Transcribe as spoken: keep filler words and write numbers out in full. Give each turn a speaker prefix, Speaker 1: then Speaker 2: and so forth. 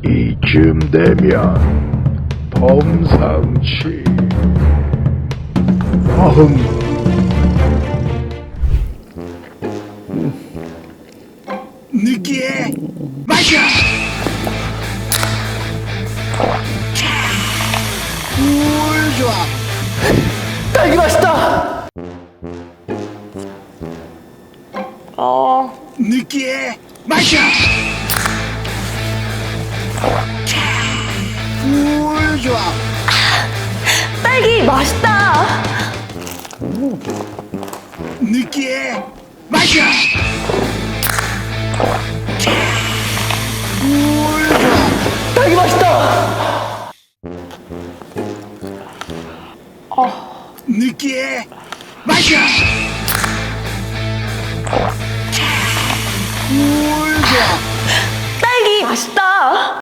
Speaker 1: 이쯤 되면 범상치. 어흥.
Speaker 2: 느끼해 마셔. 물 좋아.
Speaker 3: 딸기 맛있다. 어,
Speaker 2: 느끼해 마셔. 물 좋아.
Speaker 4: 딸기 맛있다.
Speaker 2: 느끼해 마셔. 물 좋아.
Speaker 3: 딸기 맛있다.
Speaker 2: 느끼해 마셔. 물 좋아.
Speaker 4: 딸기 맛있다.